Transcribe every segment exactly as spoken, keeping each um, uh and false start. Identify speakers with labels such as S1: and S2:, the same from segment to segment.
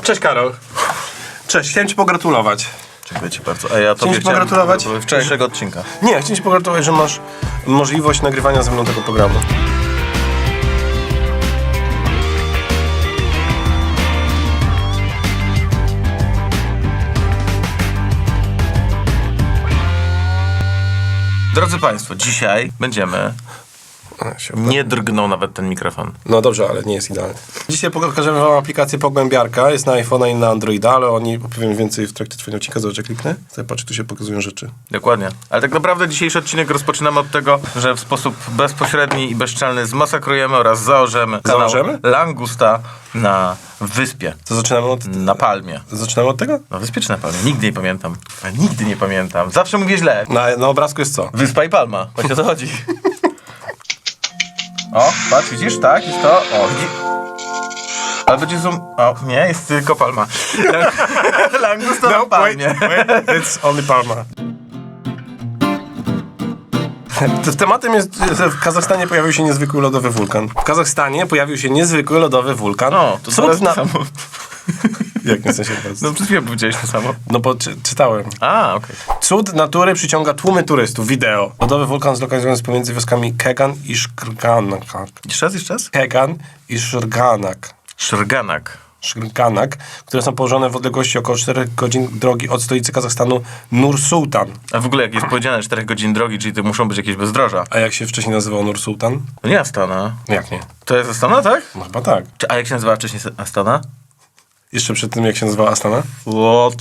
S1: Cześć Karol. Cześć, chciałem ci pogratulować.
S2: Dziękuję ci bardzo. A ja tobie
S1: ci pogratulować?
S2: chciałem wczorajszego odcinka.
S1: Nie, chciałem ci pogratulować, że masz możliwość nagrywania ze mną tego programu.
S2: Drodzy Państwo, dzisiaj będziemy...
S1: A, się
S2: Nie drgnął nawet ten mikrofon.
S1: No dobrze, ale nie jest idealny. Dzisiaj pokażemy wam aplikację Pogłębiarka. Jest na iPhone'a i na Androida, ale o niej opowiem więcej w trakcie twojego odcinka. Zobacz, jak kliknę. Tutaj patrz, tu się pokazują rzeczy.
S2: Dokładnie. Ale tak naprawdę dzisiejszy odcinek rozpoczynamy od tego, że w sposób bezpośredni i bezczelny zmasakrujemy oraz zaorzemy kanał
S1: Zaorzemy?
S2: Langusta na wyspie.
S1: To zaczynamy od...
S2: Na Palmie.
S1: Zaczynamy od tego?
S2: Na wyspie czy na Palmie? Nigdy nie pamiętam. Ja nigdy nie pamiętam. Zawsze mówię źle.
S1: Na, na obrazku jest co?
S2: Wyspa i Palma. Właśnie o to chodzi. O, patrz, widzisz? Tak, jest to. O, widzi... Ale będzie zoom... O, nie, jest tylko Palma. Langusta na Palmie.
S1: wait, wait. It's only Palma. Tematem jest, że w Kazachstanie pojawił się niezwykły lodowy wulkan. W Kazachstanie pojawił się niezwykły lodowy wulkan.
S2: O, to
S1: Cud
S2: teraz
S1: na...
S2: to samo.
S1: Jak nie w sensie teraz?
S2: No przed chwilą powiedziałeś to samo.
S1: No bo czy, czytałem.
S2: A, okej. Okay.
S1: Cud natury przyciąga tłumy turystów. Wideo. Lodowy wulkan zlokalizowany jest pomiędzy wioskami Kegan i Szkrganak.
S2: Jeszcze raz, jeszcze raz?
S1: Kegan i Szrganak.
S2: Szrganak.
S1: Szrganak, które są położone w odległości około czterech godzin drogi od stolicy Kazachstanu Nur-Sultan.
S2: A w ogóle jak jest powiedziane czterech godzin drogi, czyli to muszą być jakieś bezdroża.
S1: A jak się wcześniej nazywał Nur-Sultan?
S2: To nie Astana.
S1: Jak nie?
S2: To jest Astana, tak?
S1: No chyba tak.
S2: Czy, a jak się nazywała wcześniej Astana?
S1: Jeszcze przed tym, jak się nazywała Astana?
S2: What?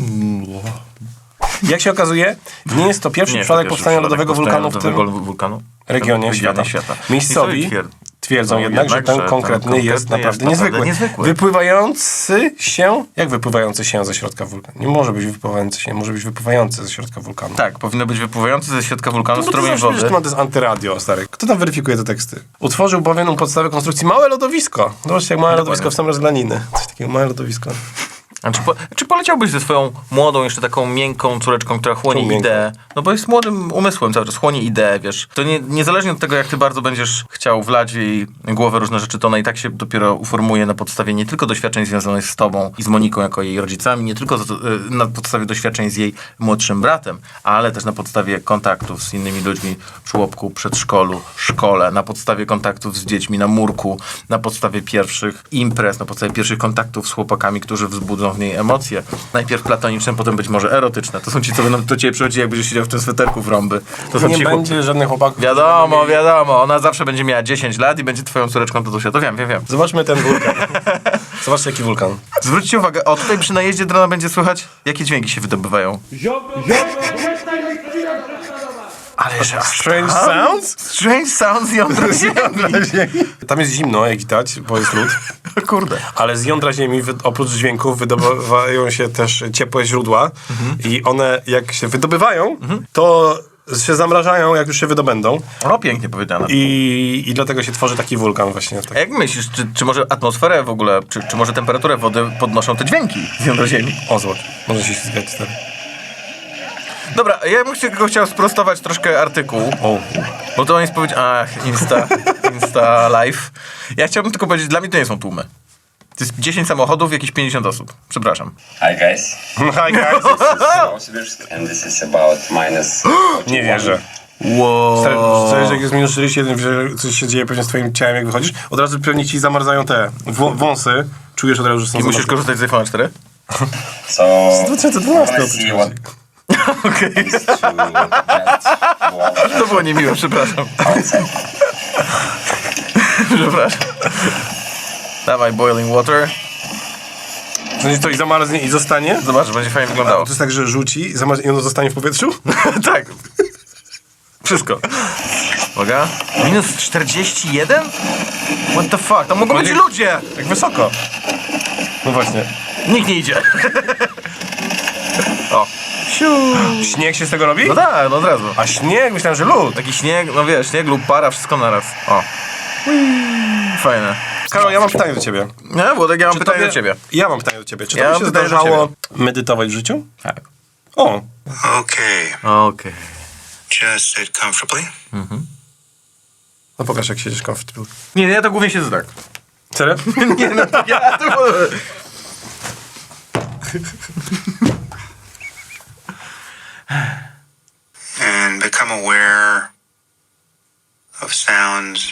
S1: Jak się okazuje, nie jest to pierwszy
S2: Nie,
S1: przypadek
S2: to
S1: powstania
S2: pierwszy
S1: lodowego
S2: przypadek
S1: wulkanu w tym
S2: lodowego wulkanu
S1: regionie świata.
S2: świata.
S1: Miejscowi
S2: twier-
S1: twierdzą
S2: no,
S1: jednak, że ten
S2: ten
S1: konkretny
S2: konkretny
S1: jest naprawdę
S2: jest
S1: niezwykły.
S2: naprawdę niezwykły.
S1: Wypływający się... Jak wypływający się ze środka wulkanu? Nie może być wypływający się, może być wypływający ze środka wulkanu.
S2: Tak, powinno być wypływający ze środka wulkanu
S1: No bo ty
S2: strumień
S1: zawsze wiesz,
S2: wody.
S1: że to jest antyradio, stary. Kto tam weryfikuje te teksty? Utworzył bowiem u podstawy konstrukcji małe lodowisko. Zobaczcie, jak małe lodowisko w sam rozglaniny. Coś takiego, małe lodowisko.
S2: A czy, po, czy poleciałbyś ze swoją młodą, jeszcze taką miękką córeczką, która chłonie
S1: Czemu miękką?
S2: ideę? No bo jest młodym umysłem cały czas, chłonie ideę, wiesz. To nie, niezależnie od tego, jak ty bardzo będziesz chciał wlać w jej głowę różne rzeczy, to ona i tak się dopiero uformuje na podstawie nie tylko doświadczeń związanych z tobą i z Moniką jako jej rodzicami, nie tylko z, na podstawie doświadczeń z jej młodszym bratem, ale też na podstawie kontaktów z innymi ludźmi w żłobku, przedszkolu, szkole, na podstawie kontaktów z dziećmi na murku, na podstawie pierwszych imprez, na podstawie pierwszych kontaktów z chłopakami, którzy wzbudzą w niej emocje. Najpierw platoniczne, potem być może erotyczne. To są ci, co będą do ciebie przychodzić, jak będziesz siedział w tym sweterku w rąby. To są
S1: Nie
S2: ci
S1: będzie
S2: chłop...
S1: żadnych chłopaków.
S2: Wiadomo,
S1: którzy będą mieli-
S2: wiadomo. Ona zawsze będzie miała dziesięć lat i będzie twoją córeczką Tatusia. To wiem, wiem, wiem.
S1: Zobaczmy ten wulkan. Zobaczcie, jaki wulkan.
S2: Zwróćcie uwagę, o tutaj przy najeździe drona będzie słychać, jakie dźwięki się wydobywają. Ale że
S1: Strange sounds?
S2: Strange sounds jądra ziemi.
S1: Tam jest zimno, jak widać, bo jest lód.
S2: Kurde.
S1: Ale z jądra ziemi, wy- oprócz dźwięków, wydobywają się też ciepłe źródła. I one, jak się wydobywają, to się zamrażają, jak już się wydobędą.
S2: O, pięknie powiedziane.
S1: I, i dlatego się tworzy taki wulkan właśnie.
S2: A
S1: Tak.
S2: jak myślisz, czy, czy może atmosferę w ogóle, czy, czy może temperaturę wody podnoszą te dźwięki z jądra ziemi?
S1: O, zobacz. Może się ślizgać stary.
S2: Dobra, ja bym tylko chciał sprostować troszkę artykuł.
S1: O.
S2: Bo to on jest powiedzieć, ach, Insta, Insta Live. Ja chciałbym tylko powiedzieć, dla mnie to nie są tłumy. To jest dziesięć samochodów, jakieś pięćdziesiąt osób. Przepraszam.
S3: Hi guys,
S1: Hi guys.
S3: Novosibirsk, and this is about minus
S1: Nie wierzę.
S2: Wow.
S1: Stary, stary, że jak jest minus czterdzieści jeden, że coś się dzieje pewnie z twoim ciałem, jak wychodzisz, od razu pewnie ci zamarzają te wą- wąsy. Czujesz od razu, że są
S2: I musisz
S1: zamarznięte.
S2: korzystać z iPhone cztery?
S3: So
S1: dwa tysiące dwunasty
S3: let's see what
S2: Okej.
S3: is to get water
S2: To było niemiłe, przepraszam.
S3: outside.
S2: Przepraszam. Dawaj, boiling water.
S1: Znaczy to i zamarznie i zostanie?
S2: Zobacz, będzie fajnie
S1: A
S2: wyglądało.
S1: to jest tak, że rzuci zamarznie i ono zostanie w powietrzu?
S2: Tak. Wszystko. Uwaga. Minus czterdzieści jeden? What the fuck? Tam mogą być
S1: Konik-
S2: ludzie!
S1: Tak wysoko. No właśnie.
S2: Nikt nie idzie. O.
S1: Śnieg się z tego robi?
S2: No tak, no od razu.
S1: A śnieg? Myślałem, że lód.
S2: Taki śnieg, no wiesz, śnieg lub para, wszystko naraz. O. Fajne.
S1: Karol, ja mam pytanie do ciebie.
S2: Nie, Włodek, ja mam
S1: Czy
S2: pytanie
S1: tobie-
S2: do ciebie.
S1: Ja mam pytanie do ciebie. Czy
S2: Ja
S1: tobie
S2: mam
S1: się
S2: pytanie do
S1: zdarzało medytować w życiu?
S2: Tak.
S1: O.
S4: Okay,
S2: Okej.
S4: just sit comfortably.
S1: No pokaż, jak siedzisz comfortable.
S2: Nie, ja to głównie siedzę tak.
S1: Serio?
S2: Nie, no to ja to...
S4: And become aware of sounds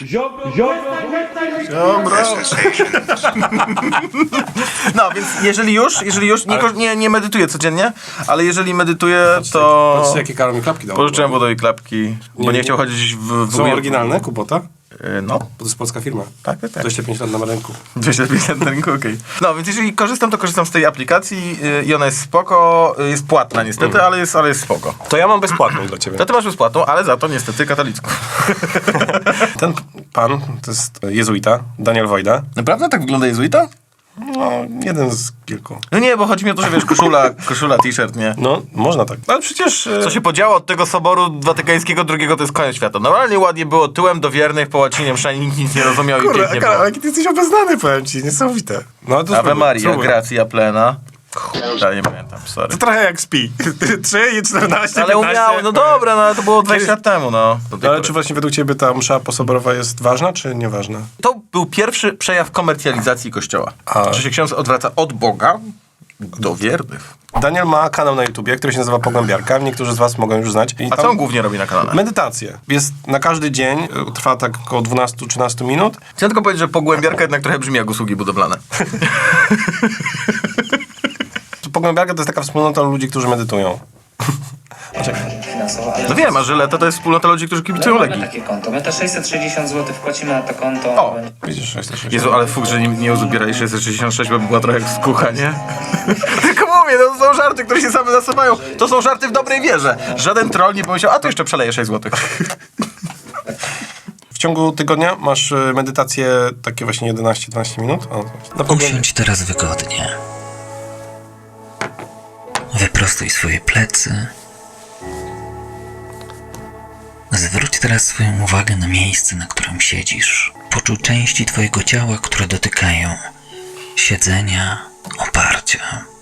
S4: and sensations.
S2: No, więc jeżeli już, jeżeli już, nie, ko- nie, nie medytuję codziennie, ale jeżeli medytuję, to
S1: Patrzcie, jakie Karol mi klapki dał.
S2: pożyczyłem Wodowi klapki, bo nie
S1: nie-
S2: chciał chodzić w... w
S1: Są oryginalne, Kubota?
S2: Yy, No,
S1: Bo to jest polska firma.
S2: tak, tak, tak.
S1: dwadzieścia pięć lat na rynku.
S2: dwieście pięćdziesiąt na rynku, okej. No, więc jeżeli korzystam, to korzystam z tej aplikacji yy, i ona jest spoko, yy, jest płatna niestety, ale jest, ale jest spoko.
S1: To ja mam bezpłatną dla ciebie.
S2: To ty masz bezpłatną, ale za to niestety katolicką.
S1: Ten pan, to jest jezuita, Daniel Wojda.
S2: Naprawdę tak wygląda jezuita?
S1: No, jeden z kilku.
S2: No nie, bo chodzi mi o to, że wiesz, koszula, koszula, t-shirt, nie?
S1: No, można tak. Ale przecież... e,
S2: Co się podziało od tego soboru watykańskiego drugiego, to jest koniec świata. Normalnie ładnie było tyłem do wiernych, po łacinie mszanie, nikt nic nie rozumiał i
S1: Kurde,
S2: pięknie
S1: Karol,
S2: było.
S1: jaki ty jesteś obeznany, powiem ci, niesamowite. No, to
S2: Ave
S1: spróbuj,
S2: Maria,
S1: spróbuj.
S2: gracja plena. Kurde, nie pamiętam, sorry.
S1: To trochę jak spi. trzy i czternaście,
S2: Ale umiały, no dobra, no ale to było dwadzieścia lat temu, no. Do tej
S1: No, ale
S2: pory.
S1: czy właśnie według ciebie ta msza posoborowa jest ważna, czy nieważna?
S2: To był pierwszy przejaw komercjalizacji Kościoła.
S1: A.
S2: Że się ksiądz odwraca od Boga do wiernych.
S1: Daniel ma kanał na YouTubie, który się nazywa Pogłębiarka. Niektórzy z was mogą już znać. I
S2: A co on głównie robi na kanale?
S1: Medytacje. Jest na każdy dzień, y, trwa tak około dwanaście do trzynastu minut.
S2: Chciałem tylko powiedzieć, że Pogłębiarka jednak trochę brzmi jak usługi budowlane.
S1: Pogłębiarka to jest taka wspólnota ludzi, którzy medytują.
S5: finansowo, ale
S2: No wiem, a Żyleta to jest wspólnota ludzi, którzy kibicują
S5: mamy
S2: Legii.
S5: takie konto. My te sześćset sześćdziesiąt złotych wpłacimy na to konto.
S2: O!
S1: Widzisz, sześćset sześćdziesiąt.
S2: Jezu, ale fuk, że nie, nie uzbierali sześćset sześćdziesiąt sześć, bo by była trochę jak skucha, nie? Tylko mówię, to są żarty, które się same nasuwają. To są żarty w dobrej wierze. Żaden troll nie pomyślał, a to jeszcze przeleje sześć złotych.
S1: W ciągu tygodnia masz y, medytacje takie właśnie jedenaście do dwunastu minut. O, na pogłębi-
S6: Usiądź teraz wygodnie. Wyprostuj swoje plecy. Zwróć teraz swoją uwagę na miejsce, na którym siedzisz. Poczuj części twojego ciała, które dotykają siedzenia, oparcia.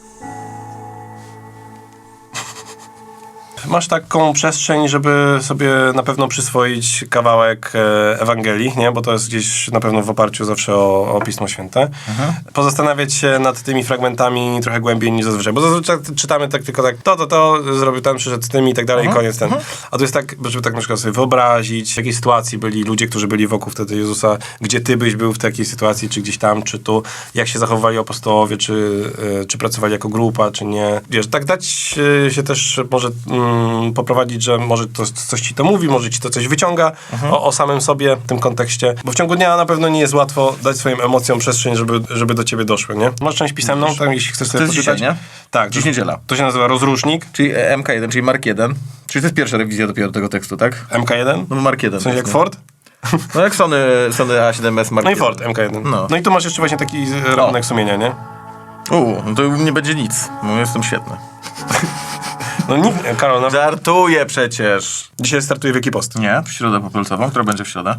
S1: Masz taką przestrzeń, żeby sobie na pewno przyswoić kawałek e, Ewangelii, nie? Bo to jest gdzieś na pewno w oparciu zawsze o, o Pismo Święte. Pozastanawiać się nad tymi fragmentami trochę głębiej niż zazwyczaj. Bo zazwyczaj czytamy tak tylko tak, to, to, to, zrobił ten, przyszedł z tym i tak dalej, i koniec ten. A tu jest tak, żeby tak na przykład sobie wyobrazić, w jakiej sytuacji byli ludzie, którzy byli wokół wtedy Jezusa, gdzie ty byś był w takiej sytuacji, czy gdzieś tam, czy tu, jak się zachowywali apostołowie, czy, e, czy pracowali jako grupa, czy nie. Wiesz, tak dać e, się też może mm, poprowadzić, że może to coś ci to mówi, może ci to coś wyciąga o, o samym sobie w tym kontekście. Bo w ciągu dnia na pewno nie jest łatwo dać swoim emocjom przestrzeń, żeby, żeby do ciebie doszły, nie? Masz część pisemną, tam jeśli chcesz sobie
S2: To jest
S1: poczytać.
S2: dzisiaj, nie?
S1: Tak.
S2: Dziś
S1: to,
S2: niedziela.
S1: To się nazywa rozrusznik.
S2: Czyli M K jeden, czyli Mark jeden. Czyli to jest pierwsza rewizja dopiero tego tekstu, tak?
S1: M K jeden?
S2: No Mark jeden.
S1: W sensie jak
S2: nie?
S1: Ford?
S2: No jak Sony, Sony A siedem S Mark
S1: No i
S2: jeden.
S1: Ford M K jeden.
S2: No.
S1: No i tu masz jeszcze właśnie taki e, rachunek sumienia, nie?
S2: Uuu, no to nie będzie nic. No jestem świetny.
S1: No nie, Karol, no,
S2: Żartuję przecież.
S1: dzisiaj startuje Wielki Post.
S2: Nie, w środę popolcową, która będzie w środę.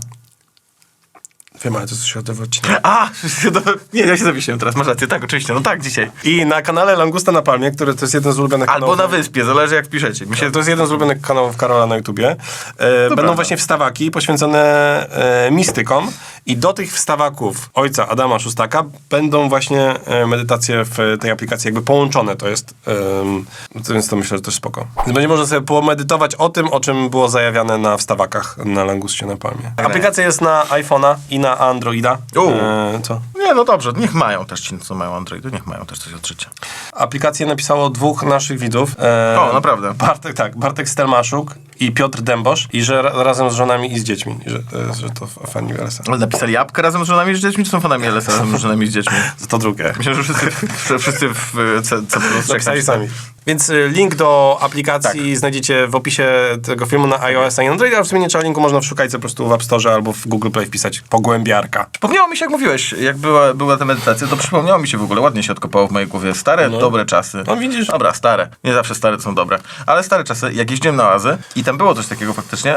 S1: Wiem, ale to jest środowy odcinek.
S2: A, nie, ja się zawiesiłem teraz, masz rację, tak, oczywiście, no tak, dzisiaj.
S1: I na kanale Langusta na Palmie, który to jest jeden z ulubionych
S2: Albo
S1: kanałów...
S2: na wyspie, zależy jak piszecie. Mi się
S1: To jest jeden z ulubionych kanałów Karola na YouTubie. E, będą
S2: prawda.
S1: właśnie wstawaki poświęcone e, mistykom i do tych wstawaków ojca Adama Szustaka będą właśnie e, medytacje w tej aplikacji jakby połączone. To jest, e, to, więc to myślę, że to jest spoko. Więc będzie można sobie pomedytować o tym, o czym było zajawiane na wstawakach na Langustie na Palmie. Aplikacja jest na iPhone'a i na Androida.
S2: U.
S1: E, co?
S2: Nie, no dobrze, niech mają też ci, co mają Androidy, niech mają też coś od życia.
S1: Aplikację napisało dwóch naszych widzów. E,
S2: O, naprawdę?
S1: Bartek, tak, Bartek Stelmaszuk i Piotr Dębosz i że ra, razem z żonami i z dziećmi, że, e, że to f- fani L S A.
S2: Ale napisali apkę razem z żonami i z dziećmi, czy są fanami L S A razem z żonami i z dziećmi?
S1: To drugie.
S2: Myślę, że wszyscy, że wszyscy w C C plus
S1: Napisali sami. Więc y, link do aplikacji znajdziecie w opisie tego filmu na iOS i Androida, a w sumie nie trzeba linku, można szukać po prostu w App Store albo w Google Play wpisać Pogłębiarka.
S2: Przypomniało mi się, jak mówiłeś, jak była, była ta medytacja, to przypomniało mi się w ogóle, ładnie się odkopało w mojej głowie. Stare, dobre czasy.
S1: No widzisz.
S2: Dobra, stare. Nie zawsze stare to są dobre. Ale stare czasy, jak jeździłem na oazy i I tam było coś takiego faktycznie,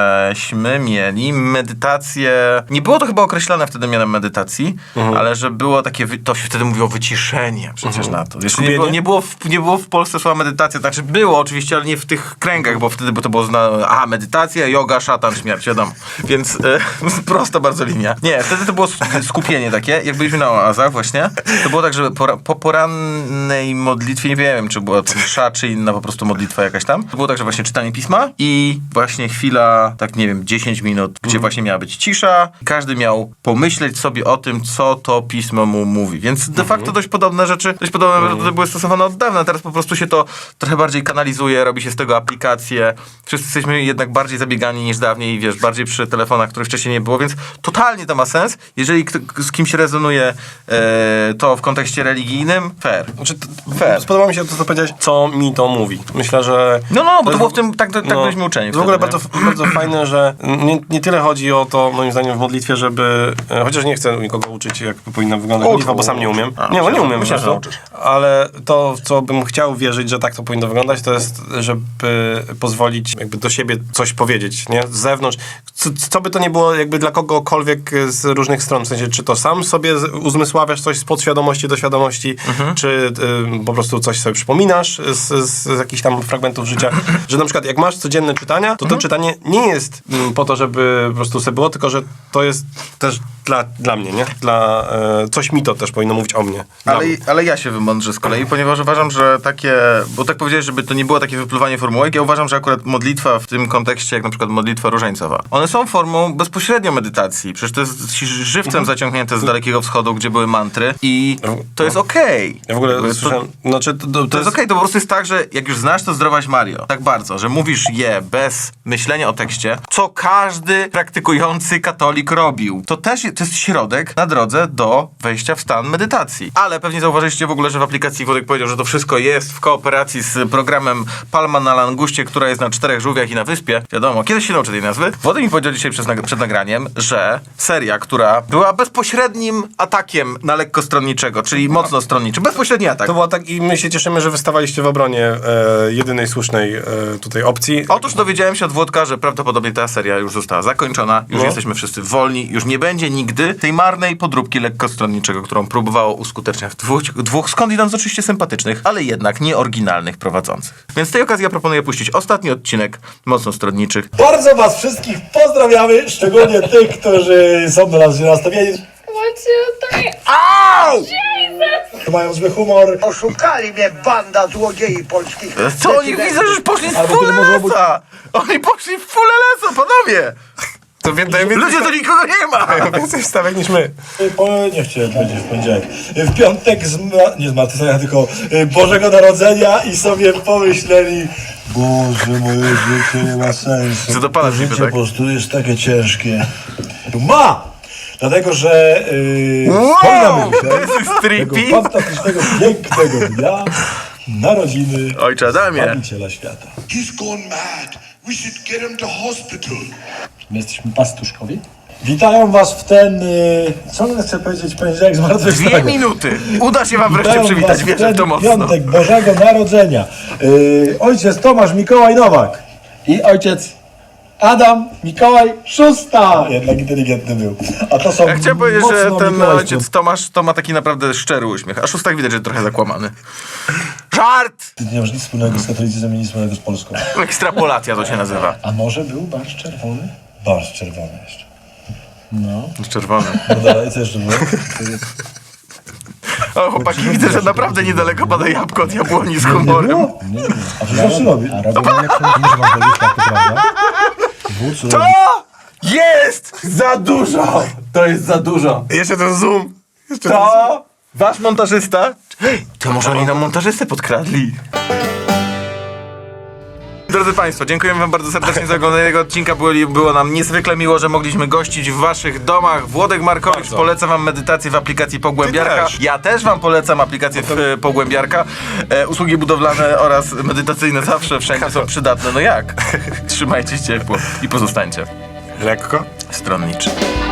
S2: żeśmy mieli medytację, nie było to chyba określone wtedy mianem medytacji,
S1: Mhm.
S2: ale że było takie, wy- to się wtedy mówiło wyciszenie przecież
S1: Mhm.
S2: na to. Jeszcze nie
S1: Skupienie?
S2: było, nie, było w, nie było w Polsce słowa medytacja, znaczy było oczywiście, ale nie w tych kręgach, bo wtedy by to było zna, aha, medytacja, yoga, szatan, śmierć, wiadomo. Więc e, prosta bardzo linia. Nie, wtedy to było sk- skupienie takie, jak byliśmy na oazach właśnie, to było tak, że po, po porannej modlitwie, nie wiem, czy była to msza, czy inna po prostu modlitwa jakaś tam, to było tak, że właśnie czytanie pisma i właśnie chwila, tak nie wiem, dziesięć minut, gdzie właśnie miała być cisza. Każdy miał pomyśleć sobie o tym, co to pismo mu mówi. Więc de facto dość podobne rzeczy, dość podobne metody były stosowane od dawna. Teraz po prostu się to trochę bardziej kanalizuje, robi się z tego aplikacje. Wszyscy jesteśmy jednak bardziej zabiegani niż dawniej, wiesz, bardziej przy telefonach, których wcześniej nie było, więc totalnie to ma sens. Jeżeli kto, z kimś rezonuje e, to w kontekście religijnym, fair.
S1: Znaczy, to,
S2: Fair.
S1: Spodoba mi się to, co powiedziałeś, co mi to mówi. Myślę, że...
S2: No, no, bo to
S1: jest
S2: było
S1: w-
S2: w tym, tak, tak
S1: no,
S2: byliśmy uczeni.
S1: w ogóle
S2: wtedy,
S1: bardzo, bardzo fajne, że nie, nie tyle chodzi o to, moim zdaniem, w modlitwie, żeby... e, Chociaż nie chcę nikogo uczyć, jak powinna wyglądać
S2: Ucz,
S1: modlitwa, bo sam nie umiem.
S2: A,
S1: Nie, bo nie
S2: myślę,
S1: umiem
S2: myślę,
S1: po
S2: że
S1: prostu.
S2: nauczysz.
S1: Ale to, w co bym chciał wierzyć, że tak to powinno wyglądać, to jest, żeby pozwolić jakby do siebie coś powiedzieć, nie? Z zewnątrz. Co, co by to nie było jakby dla kogokolwiek z różnych stron. W sensie, czy to sam sobie z- uzmysławiasz coś z podświadomości do świadomości,
S2: Mhm.
S1: czy y, po prostu coś sobie przypominasz z, z, z jakichś tam fragmentów życia. Że na przykład jak masz codzienne czytania, to to
S2: Mhm.
S1: czytanie nie jest mm, po to, żeby po prostu sobie było, tylko że to jest też dla, dla mnie, nie? Dla, e, coś mi to też powinno mówić o mnie. Dla
S2: Ale,
S1: mnie.
S2: ale ja się wymądrzę z kolei, ponieważ uważam, że takie, bo tak powiedziałeś, żeby to nie było takie wypluwanie formułek, ja uważam, że akurat modlitwa w tym kontekście, jak na przykład modlitwa różańcowa, one są formą bezpośrednio medytacji. Przecież to jest żywcem zaciągnięte z Dalekiego Wschodu, gdzie były mantry i to jest okej.
S1: Ja w ogóle
S2: Jakby to-
S1: słyszałem, znaczy to, to,
S2: To jest okej, to po prostu jest tak, że jak już znasz to zdrowaś Mario, tak bardzo, że mówisz je bez myślenia o tekście, co każdy praktykujący katolik robił. To też je- to jest środek na drodze do wejścia w stan medytacji. Ale pewnie zauważyliście w ogóle, że w aplikacji Wodek powiedział, że to wszystko jest w kooperacji z programem Palma na Languście, która jest na czterech żółwiach i na wyspie. Wiadomo, kiedyś się nauczę tej nazwy. Wodek mi powiedział dzisiaj przed, nag- przed nagraniem, że seria, która była bezpośrednim atakiem na lekkostronniczego, czyli mocno stronniczy. Bezpośredni atak.
S1: To było tak i my się cieszymy, że wystawaliście w obronie e, jedynej słusznej e, tutaj opcji.
S2: Otóż dowiedziałem się od Włodka, że prawdopodobnie ta seria już została zakończona, już
S1: No.
S2: jesteśmy wszyscy wolni, już nie będzie nigdy tej marnej podróbki lekkostronniczego, którą próbowało uskuteczniać dwóch, dwóch skądinąd oczywiście sympatycznych, ale jednak nieoryginalnych prowadzących. Więc z tej okazji ja proponuję puścić ostatni odcinek mocno stronniczych.
S7: Bardzo was wszystkich pozdrawiamy, szczególnie tych, którzy są do nas źle nastawieni,
S8: One, two, three.
S7: mają zły humor.
S9: Oszukali mnie banda złodziei polskich.
S2: Co oni widzę, że już poszli w
S7: Albo
S2: full
S7: to może być-
S2: lesa! Oni poszli w full lesa, panowie!
S1: To więcej, więcej,
S2: Ludzie, to nikogo nie ma!
S1: mają więcej wstawek niż my.
S7: Po, nie chciałem powiedzieć w poniedziałek. W piątek, zma- nie zmartwychwstania, tylko y, Bożego Narodzenia i sobie pomyśleli, Boże, moje życie nie ma sensu.
S2: Co do Pana
S7: To
S2: niby,
S7: życie
S2: tak?
S7: po prostu jest takie ciężkie. Ma! Dlatego, że yy, wspominamy dzisiaj
S2: This is
S7: tego
S2: trippy!
S7: fantastycznego, pięknego dnia narodziny
S2: Ojcze Adamie!
S7: Zbawiciela świata.
S9: He's gone mad. We should get him to hospital.
S7: My jesteśmy pastuszkowi. Witają was w ten, y, co chcę powiedzieć, poniedziałek zmartwychwstania.
S2: Dwie minuty! Uda się wam wreszcie
S7: Witają
S2: przywitać,
S7: was w
S2: wierzę w to
S7: ten
S2: mocno.
S7: piątek Bożego Narodzenia. Y, ojciec Tomasz Mikołaj Nowak i ojciec Adam Mikołaj Szósta. Jednak inteligentny był. A to są
S2: Ja chciałem powiedzieć,
S7: mocno
S2: że ten
S7: mikołajskie.
S2: ojciec Tomasz to ma taki naprawdę szczery uśmiech, a szóstak widać, że trochę zakłamany. Żart!
S7: Ty nie masz nic wspólnego z katolicyzmem i nic wspólnego z Polską.
S2: Ekstrapolacja to się nazywa.
S7: A może był barszcz czerwony? Barszcz czerwony jeszcze. No.
S2: Czerwony.
S7: No dalej, co jeszcze było?
S2: O, chłopaki, widzę, że naprawdę niedaleko pada jabłko od jabłoni z humorem.
S7: Nie, nie. A co zawsze robi? A robią jak to muszę wam powiedzieć, tak to prawda? Wódz
S2: To jest za dużo! To jest za dużo.
S1: Jeszcze ten zoom. Jeszcze ten zoom.
S2: To wasz montażysta? Hej, to może oni nam montażystę podkradli. Drodzy Państwo, dziękujemy Wam bardzo serdecznie za oglądanie tego odcinka. Było, było nam niezwykle miło, że mogliśmy gościć w Waszych domach. Włodek Markowicz
S1: Bardzo.
S2: poleca Wam medytację w aplikacji Pogłębiarka.
S1: Ty też.
S2: Ja też Wam polecam aplikację w, e, Pogłębiarka. E, usługi budowlane oraz medytacyjne zawsze wszędzie są przydatne. No jak? Trzymajcie się ciepło i pozostańcie
S1: Lekko.
S2: stronniczy.